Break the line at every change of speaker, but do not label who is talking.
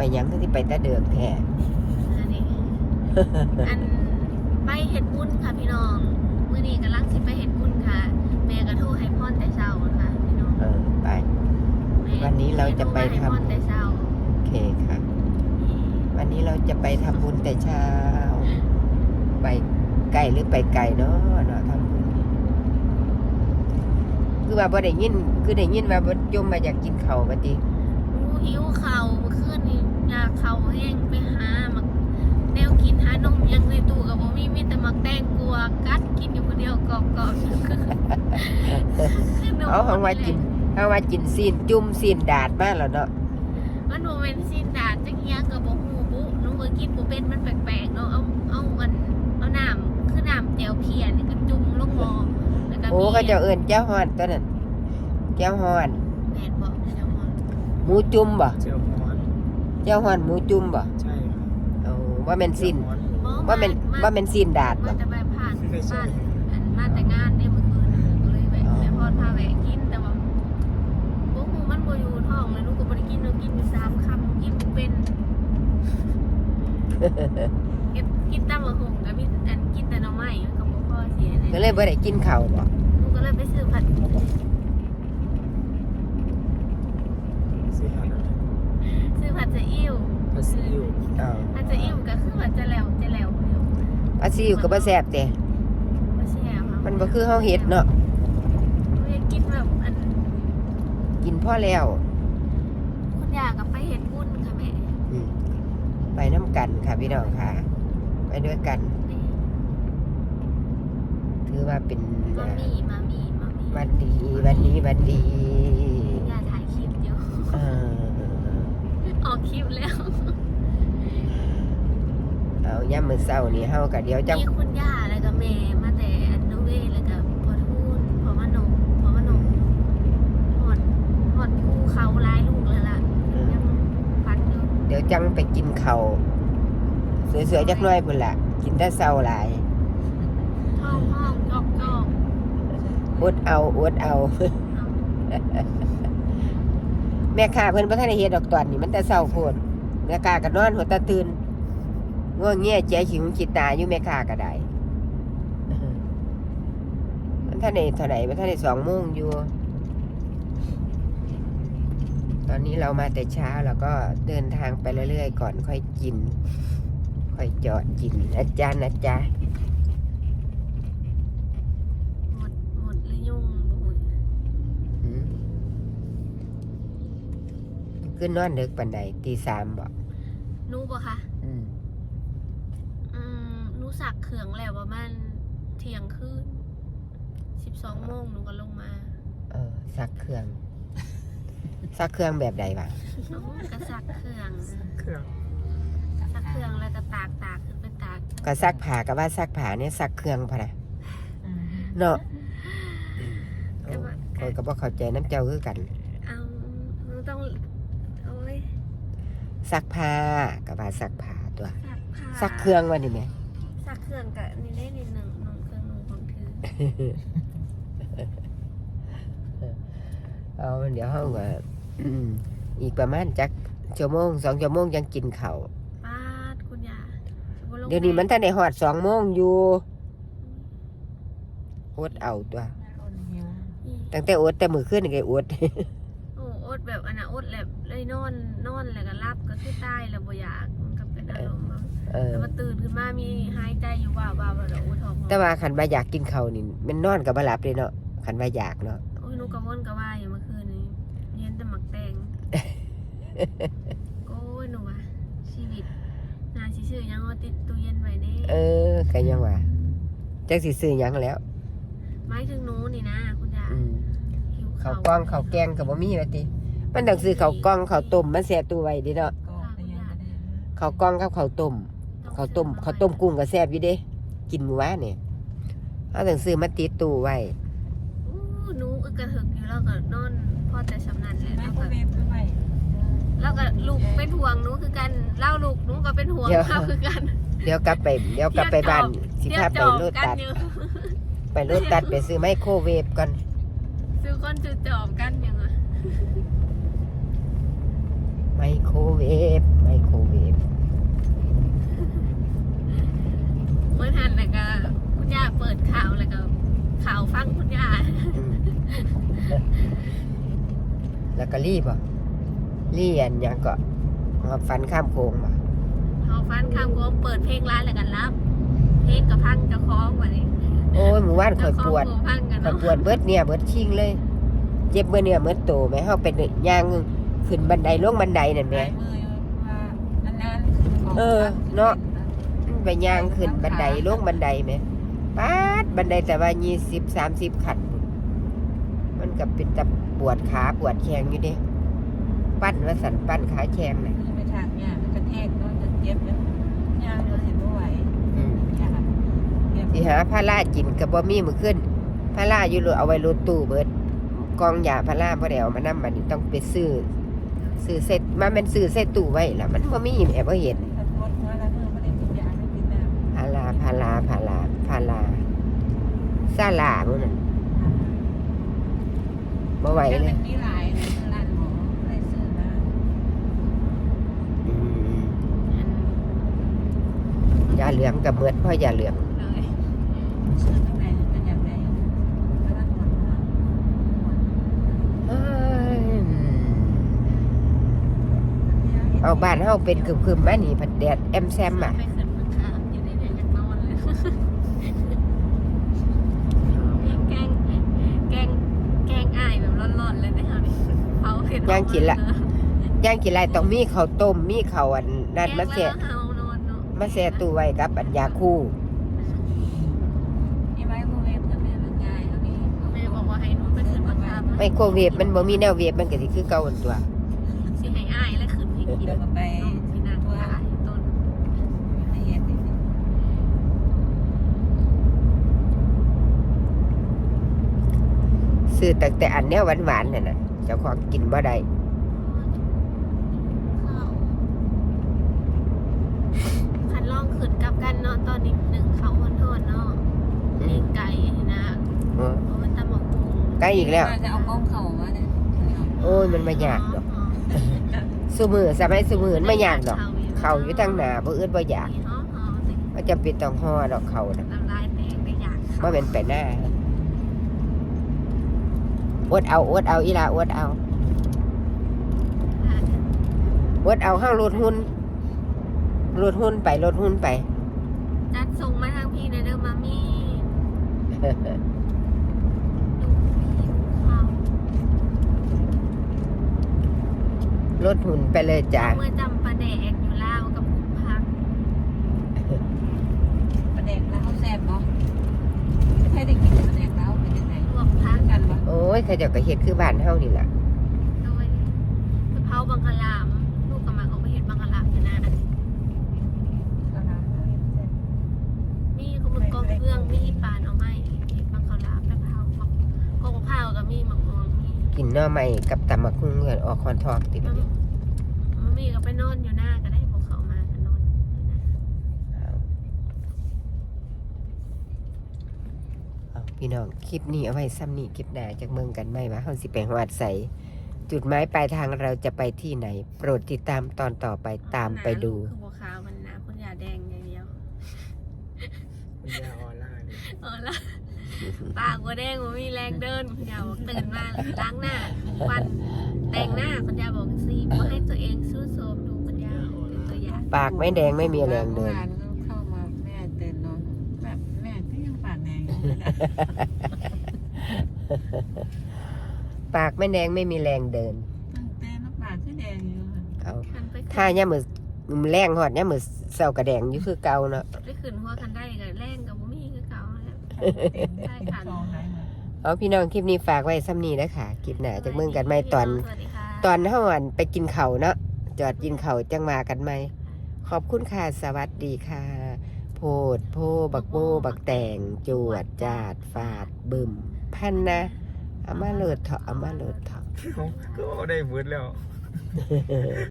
ยังที่ไปตะเดือกแท้
อันนี้อันไปเฮ็ดบุญค่ะพี่น้องมื้อนี้กำลังสิไปเฮ็ดบุญค่ะแม่ก็โทรให้พรแต่เช้าค่ะพี่น้อง
ไปวันนี้เราจะไปทำ
พรแต่เช้า
โอเคค่ะวันนี้เราจะไปทำบุญแต่เช้าไปไกลหรือไปไกลเนาะทำบุญคือว่าบ่ได้ยินคือได้ยินว่าบ่ยมมาอยากกินข้าวมาติ
หิวข้าวเมื่อคืนนี้อยากข้าวแห้งไปหามักแนวกินหานมยังในตู้ก็บ่มีแต่มักแตงกวากัดกินอยู่คนเดียวกรอบๆ
เอาเฮาว่ากินซีนจุ่มซีนดาดมาแล้วเนาะ
มันบ่แม่นซีนดาดจักอย่างก็บ่ฮู้บุหนูก็กินบ่เป็นมันแปลกๆเนาะเอาน้ำคือน้ำแจ่วเพียนี่ก็จุ่มลงหม้อแล้วก็
โอ้เขาจะเอิ้นแจ่วฮ้อนตัวนั้นแจ่วฮ้อน
แม่นบ่แจ่วฮ้อน
หมูจุ่มบ่
เจียวฮ้อน
แจ่วฮ้อนหมูจุ่มบ่
ใช่
เอาว่าแม่นซีนว่าแม่นซีนดาดบ่
มาแต่ไปผ่านบ้านมาแต่งานเนี่ยเมื่อคืนก็เลยแวะแม่พรพาแวะกินแต่ว่าบ่ฮู้มันบ่อยู่ท้องเลยหนูก็บ่ได้กินหนูกินอยู่3 คำกินบ่เป็นกินตำบักหุ่งก็มีกินแต่หน่อไม้มันก็บ่พอสิ
ก็เลยบ่ได้กินข้าวบ่
หนูก็เลยไปซื้อผัด
ซื้อหัด
ซื้อผัดซีอิ๊ว
ผัดซีอิ๊ว
ผัดซีอิ๊วก็คือว่าจะแล้ว
ผัดซีอิ๊วก็บ่แซ่บเด้
บ่แซ่บ
มันบ่คือเฮาเฮ็ดเนาะ
กินแบบ
กินพอแล้ว
คุณย่าก็ไปเฮ็ดบุญค่ะแม่
ไปน้ำกันค่ะพี่น้องค่ะไปด้วยกันถือว่าเป็น
มามี
วันดีวันนี้วันดี
ย่าถ่ายคลิปอยู่ออกคลิปแล้ว
เอาย่ำมื้อเช้านี่เฮาก็เดี๋ยวจัง
มีคุณย่าแล้วก็แม่มาแต่อันโนเวแล้วก็พอทูนพอมานมหอดภูเขาหลายลูกแล้วล่ะยังพัดอยู่
เดี๋ยวจังไปกินข้าวสวยๆจักหน่อยพุ่นล่ะกินแต่เช้าหลาย
ห้องจอก
อดเอาแม่ค้าเพิ่นบ่ทันได้เฮ็ดดอกตอนนี้มันแต่เช้าโพดแม่ค้าก็นอนหัวตาตื่นง่วงเงี้ยใจหิวคิดตาอยู่แม่ค้าก็ได้มันท่านได้เท่าไหร่มันท่านได้2 โมงอยู่ตอนนี้เรามาแต่เช้าแล้วก็เดินทางไปเรื่อยๆก่อนค่อยกินค่อยจอดกินนะจ๊ะ
หมดหรือยุ่ง
ขึ้นนอนดึกปานใดตี 3บ่
หนูบ่คะหนูสักเครื่องแล้วประมาณเที่ยงคืน12 โมงหนูก็ลงมา
สักเครื่องแบบใดวะ
ก็สักเครื่องแล้วก็ตากขึ้นเป็นตาก
ก็ซักผ้าก็ว่าซักผ้าเนี่ยซักเครื่องพะนะเนาะโอ้ยก็บ่เข้าใจน้ำเจ้าคือกัน
ต้องโอ้ย
ซักผ้าก็ว่าซักผ้าตัวซักเครื่องว่านี่แม่
ซักเครื่องก็นี่ได้นิดนึงน้องเครื่องนุ่งของเธ
อเอาเดี๋ยวเฮาก็อีกประมาณจักชั่วโมง2 ชั่วโมงยังกินข้าว
คุณย่า
เดี๋ยวนี้มันทันได้ฮอด2 โมงอยู่อดเอาตัวตั้งแต่อดแต่มื้อคืนนี่ก็อด
อดแบบอดเลยนอนแล้วก็รับก็คือตายแล้วบ่อยากมันก็เป็นอารมณ์แล้วมาตื่นขึ้นมามีหายใจอยู่ว่าแล้วท้อง
แต่ว่าคันว่าอยากกินข้าวนี่มันนอนก็บ่หลับเลยเนาะคันว่าอยากเนาะ
โอ้ยหนูก็วนก็ว่าอยู่เมื่อคืนนี้เรียนแต่หมักแตงโอ้ยหนูว่าชีวิตน่าสิซื้อยังเอาติดตู้เย็นไว้นี่
ก็ยังว่าจักสิซื้อหยังแล้ว
หมายถึงหนูนี่นะคุณย่า
ข้าวกล้องข้าวแกงก็บ่มีว่าติมันต้องซื้อข้าวกล้องข้าวต้มมันแซ่บตู้ไว้ดิเนาะข้าวกล้องกับข้าวต้มกุ้งก็แซ่บอยู่เด้กินมื้อวานนี่เฮาต้องซื้อมาติดตู้ไว้
หนูกระหึกอยู่แล้วก็นอนพอแต่สำนันเลยแล้วก็ลูกเป็นห่วงหนูคือกันเล่าลูกหนูก็เป็นห่วงเขาคือกัน
เดี๋ยวกลับไปบ้านสิพาไปโลตัสไปซื้อไมโครเวฟก่อน
ซื้อก้อนจุดจอมกันยังไง
ไมโครเวฟ
เมื่อทันแล้วก็คุณย่าเปิดข่าวแล้วก็ข่าวฟังคุณย่า
แล้วก็รีบอ่ะรีอันยังก็ฟันข้ามโค้งมา
เขาฟันข้ามก็เปิดเพลงร้านแล้วกันรับเพลงกับพังจะคล้องกว่านี้
โอ้ยหมู่บ้านข่อยปวด
พังกัน
ข่อย
เนาะ
ปวดเบิดเนี่ยเบิดชิงเลย เจ็บเบิดเนี่ยเบิดโตไหมเฮาเป็นย่างขึ้นบันไดลงบันไดนั่นแหม เออเนาะ ไปย่างขึ้นบันไดลงบันไดไหมป๊าดบันไดแต่ว่า20-30 ขั้นมันก็เป็นตะปวดขาปวดแขนอยู่เด้ปั้นว่าสันปั้นขาแขนน่ะ
ไปทางเนี่ยกระแทกก็จะเจ็บแล้วยางเราเห็นไม่ไหว
สิหาพารากินก็บ่มีมื้อขึ้นพาราอยู่รถเอาไว้รถตู้เบิดกองยาพาราบ่ได้เอามานำบัดนี้ต้องไปซื้อเสร็จมาแม่นซื้อใส่ตู้ไว้ล่ะมันบ่มีแม่บ่เห็น
ถ้าปวดหัวแล้วเมื่อไม่ได้กินยาไม่กินน้ำ
พาราซาลามื้อนั้นบ่ไหว
แต่
เล
มั
ย
นมีหลายในร้านหมอได้ซื้อมา
ยาเหลืองกับเบิดเพราะยาเหลือง
เลย
ซื้อข้างในเป็นอย่างไรแล้วก็ปวดหัว
เอาบ้านเฮาเป็นคึมๆมานี่พัดแดดแอมแซมอ่ะ
ไม่ขึ้นมาค่ะอยู่ในเนี่ยอยากนอนเลยแกงอ้ายแบบร้อนๆเลยนะคะเขาเห็น
ย่างกินไรต้องมีข้าวต้มมีข้าวอันนั่นมาแช่
เฮานอนเนาะ
มาแช่ตู้ไว้กับอันยาคู่
มีไมโครเวฟกับแม่มันง่ายก็มี
แม่บอกว่าให้หนูไปขึ้นมาทำ
ไมโครเวฟมันบ่มีแนวเวฟมันก็สิคือเก่าอันตัว
สิให้อ้ายและขึ้นให้กิน
เดี๋ยวก็ไป
ที่นั่งขายต้น
ไม่เห็น
ซื้อแต่อันแนวหวานๆนั่นน่ะเจ้าของกินบ่ได้
คันล่องขึ้นกับกันเนาะตอนนี้หนึ่งเขาคนโทษเนาะเลี้ยงไก่นะ
เออ
เพราะมันตำหมกกุ้ง
ใกล้อีกแล้ว
จะเอากล้องเข่ามาเนี่ย
โอ้ยมันบ่ยากดอกซุมื้อสมัยซุมื้อมันบ่ยากดอกเข้าอยู่ทางหน้าบ่อึดบ่อยาก
ห่อสิ
บ่จำเป็นต้องห่อดอกเข้าน่ะ
น้ำลายแตกได้อยาก
บ่แม่นไปหน้าอดเอาอีหล่าอดเอาเฮาลดหุ้นไป
จัดส่งมาทางพี่ในเด้อมามี่ดูผิวเขา
ลดหุ้นไปเลยจ้ะ
เมื่อจำปลาแดกอยู่ลาวกับผู้พัก
ประเด็กแล้วเขาแซ่บเนาะไม่เคยได้กินประเด็กแล้วเป็นยังไง
รวมพัก
กันปะ
โอ้ยเขาเจ้าก็เฮ็ดคือบ้านเฮานี่ล่ะ
โดยกะเพราบังคลามลูกกำลังเอาไปเห็ดบังคลามอยู่นะมีขมึกกองเครื่องมีปานเอาไม้เห็ดบังคลามไปเผาหมักกองข้าวกับมีหมักมองมี
กินหน่อไม้กับตำบักหุ่งเงินออกคอนทองติด
มันมีก็ไปนอนอยู่หน้าก็ได้พวกเขามาก็นอนอยู่หน้า
เอาพี่น้องคลิปนี้เอาไว้ซ้ำนี้คลิปหน้าจากเมืองกันไหมว่าเฮาสิไปฮอดไสจุดหมายปลายทางเราจะไปที่ไหน โปรดติดตามตอนต่อไปตามไปดู
คือบัวขาวมันน้ำคุณยาแดงอย่างเดียว
คุณยาออร่าเนี่ย
ละปากบัวแดงมันมีแรงเดินคุณยาบอกตื่นมาล้างหน้าฟันแต่งหน้าคุณยาบอกสิว่าให้ตัวเองสู้โสมดูคุณยาเป็นตัวอย่าง
ปากไม่แดงไม่มีแรงเดิน
ก็เข้ามาแม่เตือนนอนแบบแม่ก็ยังปากแดง
ปากไม่แดงไม่มีแรงเดิน
ตั้งแต่น้ำปากก็แดงอยู่
เอา
คันไป
ถ้าย่ามือแรงหอดย่ามือเศร้ากระแดงอยู่คือเก่าเนาะ
ไปขึ้นหัวคันได้กับแรงกับบุมี่คือเก่าแล้ว
ใช่ค่ะซองไหนมา
เอาพี่น้องคลิปนี้ฝากไว้ซ้ำนี้นะคะคลิปหน้าจากเมืองกันไหมตอน
สวัสดีค่ะ
ตอนเฮาอันไปกินข้าวเนาะจอดกินข้าวจังมากันไหมขอบคุณค่ะสวัสดีค่ะ โพดโพบักโบบักแตงจวดจาดฟาดบึมพันนะเอามาโหลดเถาะ
ก็เอาได้เวิร์ดแล้ว